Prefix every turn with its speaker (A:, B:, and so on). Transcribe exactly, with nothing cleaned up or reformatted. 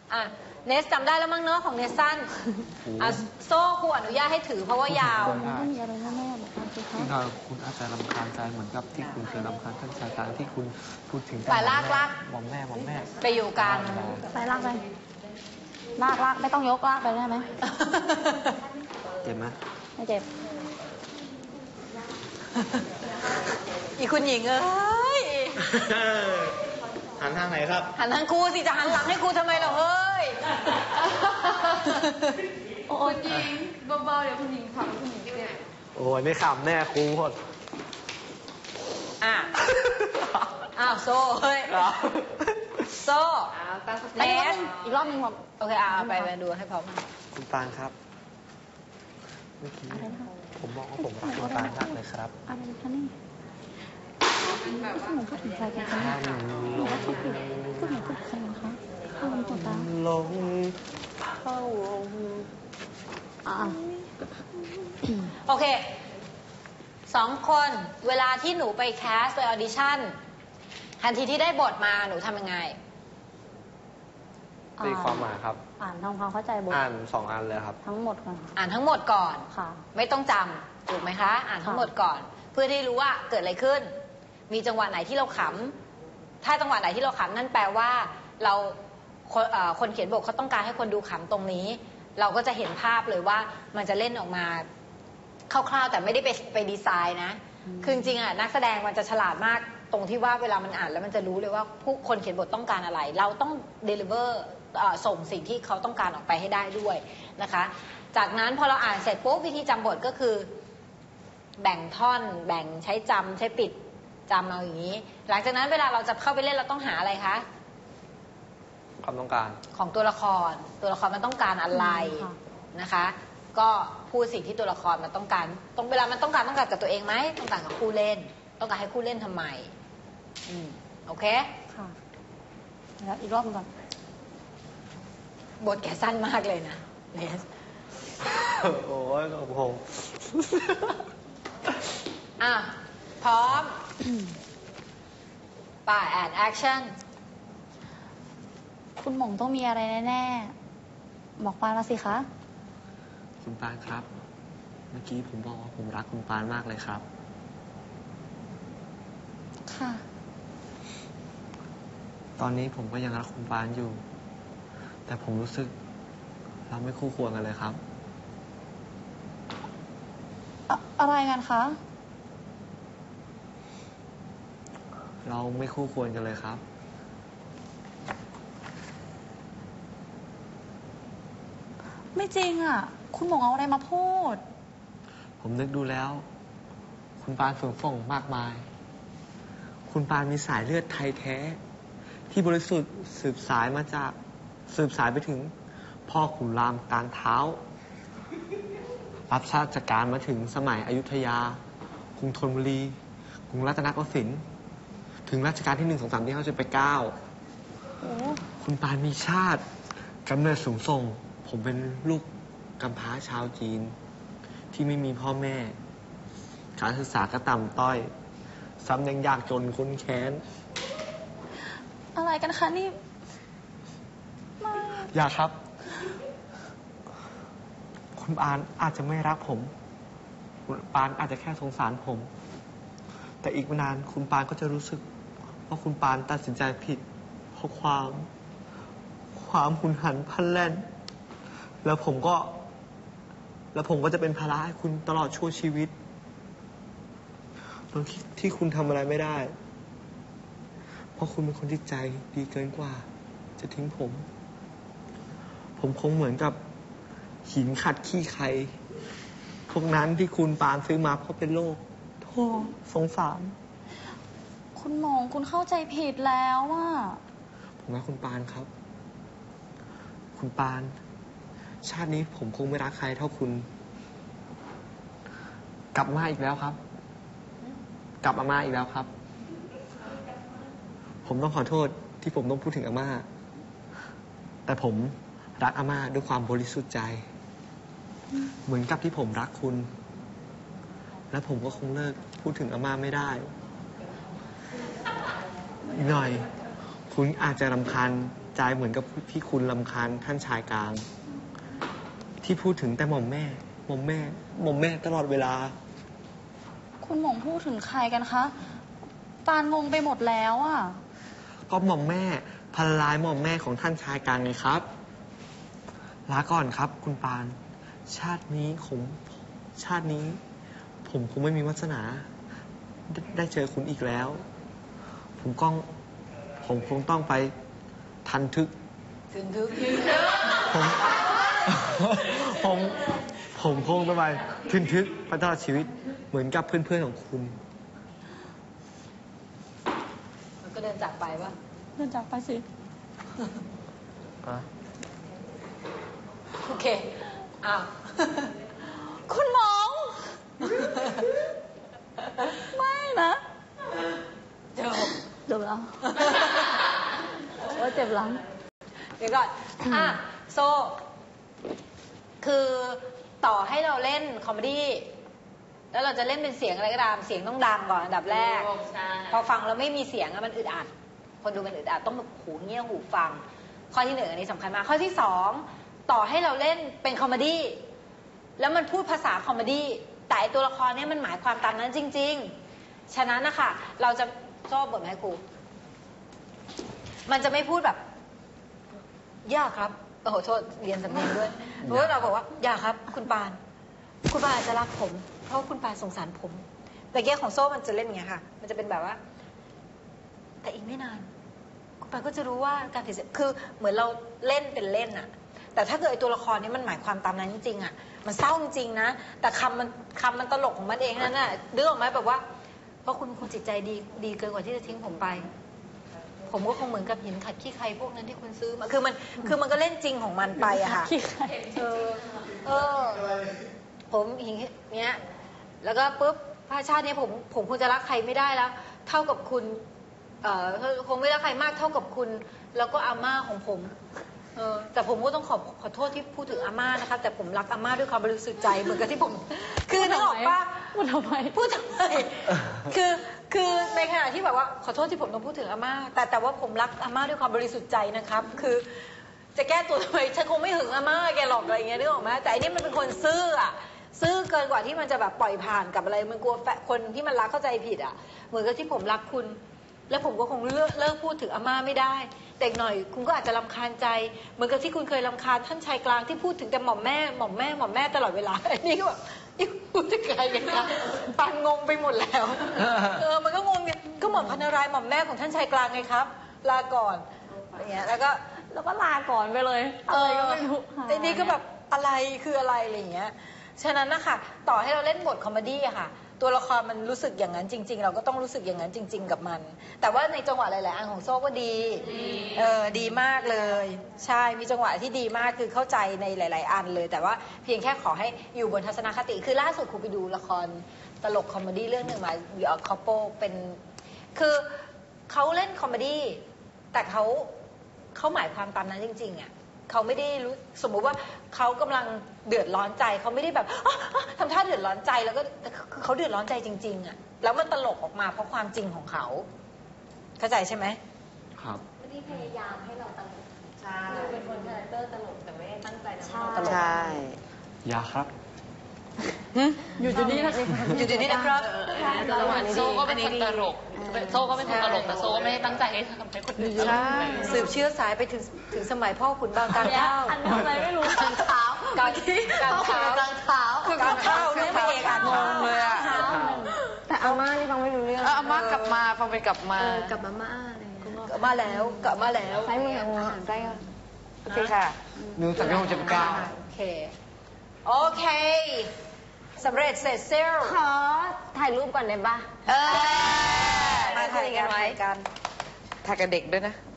A: อ่ะเนสจำได้แล้วมั้งเนาะของเนสสั้นอ่ะโซ่ครูอนุญาตให้ถือเพราะว่ายาว
B: ต้องมีอะไรแน่ๆบอกคุณคะคุณอาจจะรำคาญใจเหมือนกับที่คุณเคยรำคาญท่านชายกลางที่คุณพูดถึง
A: ไปลากลาก
B: หม่อมแม่หม่อมแม่
A: ไปอยู่กัน
C: ไปลากไปลากลากไม่ต้องยกลากไปได้ไหม
B: เจ็บไหม
C: ไม่เจ็บ
A: อีคุณหญิงเอ้ย
B: หันทางไหนครับ
A: หันทางครูสิจะหันหลังให้ครูทำไมเหรอเฮ้ย
C: โอ้ยหญิงเบาๆเดี๋ยวคุณหญิงขำคุณหญิงเนี่ย
B: โอ้ยไม่ขำแน่ครูหมด
A: อ่ะอ้าวโซ่เฮ้ยโซ่เนส
C: อีกรอบนึงผม
A: โอเคเอาไปไปดูให้พร้อม
B: คุณปานครับเมื่อกี้ผมบอกว่าผมรักคุณปานมากเลยครับ
C: อะไรคะนี่หนูพูดถึงใครกันคะหนูว่าพูดถึงพูดถึงพูดถึงใครกันคะข้าวมันตัวตา
B: ลงเข้า
C: อ่า
A: โอเคสองคนเวลาที่หนูไปแคสไปออดิชั่นทันทีที่ได้บทมาหนูทำยังไง
B: ตีความหมายครับ
C: อ่านทำความเข้าใจบท
B: อ่านสองอันเลยครับ
C: ทั้งหมดก่อน
A: อ่านทั้งหมดก่อน
C: ค่ะ
A: ไม่ต้องจำถูกไหมคะอ่านทั้งหมดก่อนเพื่อที่รู้ว่าเกิดอะไรขึ้นมีจังหวะไหนที่เราขำถ้าจังหวะไหนที่เราขำนั่นแปลว่าเราคนเขียนบทเขาต้องการให้คนดูขำตรงนี้เราก็จะเห็นภาพเลยว่ามันจะเล่นออกมาคร่าวๆแต่ไม่ได้ไปไปดีไซน์นะคือจริงๆอ่ะนักแสดงมันจะฉลาดมากตรงที่ว่าเวลามันอ่านแล้วมันจะรู้เลยว่าผู้คนเขียนบทต้องการอะไร เราต้อง deliver ส่งสิ่งที่เขาต้องการออกไปให้ได้ด้วยนะคะจากนั้นพอเราอ่านเสร็จปุ๊บวิธีจำบทก็คือแบ่งท่อนแบ่งใช้จำใช้ปิดจำเอาอย่างนี้หลังจากนั้นเวลาเราจะเข้าไปเล่นเราต้องหาอะไรคะ
B: ความต้องการ
A: ของตัวละครตัวละครมันต้องการอะไรนะคะก็พูดสิ่งที่ตัวละครมันต้องการตรงเวลามันต้องการต้องการกับตัวเองไหมต้องการกับคู่เล่นต้องการให้คู่เล่นทำไมอืมโอเค
C: ค่ะแล้วอีกรอบก่อน
A: บทแกสั้นมากเลยนะเนส
B: โอ้ยขอบคุณ
A: อ่ะพร้อมป่าแอนแอคชั่น
C: คุณหม่งต้องมีอะไรแน่ๆบอกปานมาสิคะ
B: คุณปานครับเมื่อกี้ผมบอกว่าผมรักคุณปานมากเลยครับ
C: ค่ะ
B: ตอนนี้ผมก็ยังรักคุณปานอยู่แต่ผมรู้สึกเราไม่คู่ควรกันเลยครับ
C: อะอะไรกันคะ
B: เราไม่คู่ควรกันเลยครับ
C: ไม่จริงอ่ะคุณหม่งเอาอะไรมาพูด
B: ผมนึกดูแล้วคุณปานฝืนฝ่งมากมายคุณปานมีสายเลือดไทยแท้ที่บริสุทธิ์สืบสายมาจากสืบสายไปถึงพ่อขุนรามกลางเท้ารับราชการมาถึงสมัยอยุธยากรุงธนบุรีกรุงรัตนโกสินทร์ถึงรัชกาลที่หนึ่งสองสามที่เขาจะไปเก้าคุณปานมีชาติกำเนิดสูงส่งผมเป็นลูกกำพร้าชาวจีนที่ไม่มีพ่อแม่การศึกษาก็ต่ำต้อยซ้ำยังยากจนค้นแค้น
C: อะไรกันคะนี่ไม่
B: อย่าครับคุณปานอาจจะไม่รักผมคุณปานอาจจะแค่สงสารผมแต่อีกไม่นานคุณปานก็จะรู้สึกว่าคุณปานตัดสินใจผิดเพราะความความหุนหันพลันแล่นแล้วผมก็แล้วผมก็จะเป็นภาระให้คุณตลอดชั่วชีวิตตรงที่ที่คุณทำอะไรไม่ได้เพราะคุณเป็นคนที่ใจดีเกินกว่าจะทิ้งผมผมคงเหมือนกับหินขัดขี้ใครพวกนั้นที่คุณปานซื้อมาเพราะเป็นโรคโธ่สงสาร
C: คุณหม่งคุณเข้าใจผิดแล้วว่า
B: ผมรักคุณปานครับคุณปานชาตินี้ผมคงไม่รักใครเท่าคุณกลับมาอีกแล้วครับกลับมาอีกแล้วครับผมต้องขอโทษที่ผมต้องพูดถึงอาม่าแต่ผมรักอาม่าด้วยความบริสุทธิ์ใจเหมือนกับที่ผมรักคุณและผมก็คงเลิกพูดถึงอาม่าไม่ได้อีกหน่อยคุณอาจจะรำคาญใจเหมือนกับที่คุณรำคาญท่านชายกลาง ที่พูดถึงแต่หม่อมแม่หม่อมแม่หม่อมแม่ตลอดเวลา
C: คุณหม่อมพูดถึงใครกันคะปานงงไปหมดแล้วอ่ะ
B: ก็หม่อมแม่พันลายหม่อมแม่ของท่านชายกลางไงครับลาก่อนครับ คุณปาน ชาตินี้ผมชาตินี้ ผมคงไม่มีวาสนาได้ได้เจอคุณอีกแล้ว ผมก้อง ผมคงต้องไปทันทึก
A: ถึงทึก
B: ผม ผม ผมคงต้องไปทึนทึกไปตลอดชีวิต เหมือนกับเพื่อนๆของคุณ
A: มันก็เดินจากไปปะ
C: เดินจากไปสิ
A: โอเค อ้าว
C: คุณหมอง ไม่นะ
A: เดี๋ยว
C: เจ็บแล้วว่าเจ็บหลัง
A: เดี๋ยวก่อน อ่ะ โซ คือต่อให้เราเล่นคอมเมดี้ แล้วเราจะเล่นเป็นเสียงอะไรก็ตาม เสียงต้องดังก่อนอันดับแรก พอฟังแล้วไม่มีเสียงอะมันอึดอัด คนดูมันอึดอัดต้องแบบหูเงี้ยหูฟัง ข้อที่หนึ่งอันนี้สำคัญมาก ข้อที่สองต่อให้เราเล่นเป็นคอมเมดี้ แล้วมันพูดภาษาคอมเมดี้ แต่ไอ้ตัวละครเนี้ยมันหมายความตามนั้นจริง ๆ ฉะนั้นนะคะเราจะชอบบทไหมครู มันจะไม่พูดแบบ ย่าครับ โอ้โห โทษ เรียนสำเนียงด้วย เพราะว่าเราบอกว่า ย่าครับ คุณปาน คุณปานอาจจะรักผม เพราะคุณปานสงสารผม แต่แก้ของโซ่มันจะเล่นอย่างเงี้ยค่ะ มันจะเป็นแบบว่า แต่อีกไม่นาน คุณปานก็จะรู้ว่าการติดเสพคือเหมือนเราเล่นเป็นเล่นอะแต่ถ้าเกิดไอ้ตัวละครนี้มันหมายความตามนั้นจริงๆอะมันเศร้าจริงๆนะ แต่คำมันคำมันตลกของมันเองนั่นน่ะนึกออกไหมแบบว่า เพราะคุณเป็นคนจิตใจดีดีเกินกว่าที่จะทิ้งผมไป ผมก็คงเหมือนกับหินขัดขี้ใครพวกนั้นที่คุณซื้อมา คือมัน คือมันก็เล่นจริงของมันไปอะค่ะ
C: ขี้ใคร
A: เออ เออ ผมหินเนี้ย แล้วก็ปุ๊บพระชาตินี้ผม ผมคงจะรักใครไม่ได้แล้ว เท่ากับคุณ เอ่อ คงไม่รักใครมากเท่ากับคุณ แล้วก็อาม่าของผม เออ แต่ผมก็ต้องขอขอโทษที่พูดถึงอาม่านะคะ แต่ผมรักอาม่าด้วยความบริสุทธิ์ใจเหมือนกับที่ผม คือนึกออกปะ
C: พูดทำไม
A: พูดทำไม คือ คือในขณะที่แบบว่าขอโทษที่ผมต้องพูดถึงอาม่า แต่แต่ว่าผมรักอาม่าด้วยความบริสุทธิ์ใจนะครับ คือจะแก้ตัวทำไม ฉันคงไม่หึงอาม่าแกหรอกอะไรเงี้ยนึกออกไหมแต่อันนี้มันเป็นคนซื่ออะซื่อเกินกว่าที่มันจะแบบปล่อยผ่านกับอะไร มันกลัวแฟนคนที่มันรักเข้าใจผิดอะเหมือนกับที่ผมรักคุณ แล้วผมก็คงเลิกเลิกพูดถึงอาม่าไม่ได้ แต่อีกหน่อยคุณก็อาจจะรำคาญใจ เหมือนกับที่คุณเคยรำคาญท่านชายกลางที่พูดถึงแต่หม่อมแม่ หม่อมแม่ หม่อมแม่ตลอดเวลา อันนี้ก็แบบนี่พูดถึงใครกันคะปันงงไปหมดแล้ว เออ มันก็งงเนี่ยก็หม่อมพันนารายณ์หม่อมแม่ของท่านชายกลางไงครับ ลาก่อนอย่างเงี้ย แล้วก็
C: แล้วก็ลาก่อนไปเลย
A: เอ
C: อะไร
A: อ
C: ก็ไม่รู้
A: ไอ้นี่ก็แบบอะไรคืออะไรอะไรอย่างเงี้ย ฉะนั้นนะคะต่อให้เราเล่นบทคอมเมดี้อะค่ะ ตัวละครมันรู้สึกอย่างนั้นจริง ๆ เราก็ต้องรู้สึกอย่างนั้นจริง ๆ กับมัน แต่ว่าในจังหวะหลายๆอันของโซ่ก็ดี เออ ดีมากเลย ใช่ มีจังหวะที่ดีมากคือเข้าใจในหลาย ๆ อันเลย แต่ว่าเพียงแค่ขอให้อยู่บนทัศนคติ คือล่าสุดครูไปดูละครตลกคอมเมดี้เรื่องหนึ่งมาวิออคอปโปเป็น คือเขาเล่นคอมเมดี้แต่เขาเขาหมายความตามนั้นจริง ๆอะเขาไม่ได้รู้สมมุติว่าเขากำลังเดือดร้อนใจเขาไม่ได้แบบอ๊ะอ๊ะทำท่าเดือดร้อนใจแล้วก็คือเขาเดือดร้อนใจจริง ๆอะแล้วมันตลกออกมาเพราะความจริงของเขาเข้าใจใช่ไหม
B: ครับ
D: ที่พยายามให้เราตลก
A: ใช่
D: เราเป็นคนคาแรคเตอร์ตลกแต่ไม่ได้ตั้งใจทำให้
A: ต
D: เรา
A: ล
D: ต
A: ก
D: ลก
B: ยาครับ
C: อยู่อยู่นี่นะ
A: อยู่ดีนี่นะครับ
D: จังหวะนี้
E: โซ่ก็เป็นคนตลก โซ่ก็เป็นคนตลกแต่โซ่ก็ไม่ได้ตั้งใจให้ทำให้คนอื่นตลก
A: ใช่สืบเชื้อสายไปถึงถึงสมัยพ่อขุนบางการข้าว
C: อันนี้อะไรไม่รู้
A: การเท้าการการเท้า
D: การเท้า
A: คือการเท้าเนี่ยไม่เอกอ่านงงเลยอะ
D: แต่อาม่านี่ฟังไม่รู้เรื่อง
E: เออเอามากลับมาฟังไปกลับมา
D: เออกลับมาม่าอะไรอย่างเงี้ย
A: กลับมาแล้วกลับมาแล้ว
D: ใช้มืออาหารใกล้กัน
E: โอเคค่ะ
B: หนึ่งสามหกเจ็ดเก้า
A: โอเค โอเคสำเร็จเสร็จเซล
D: ขอถ่ายรูปก่อนได้ปะ
A: เออมาถ่ายกันถ่ายกัน
E: ถ่ายกับเด็กด้วยนะ
A: เ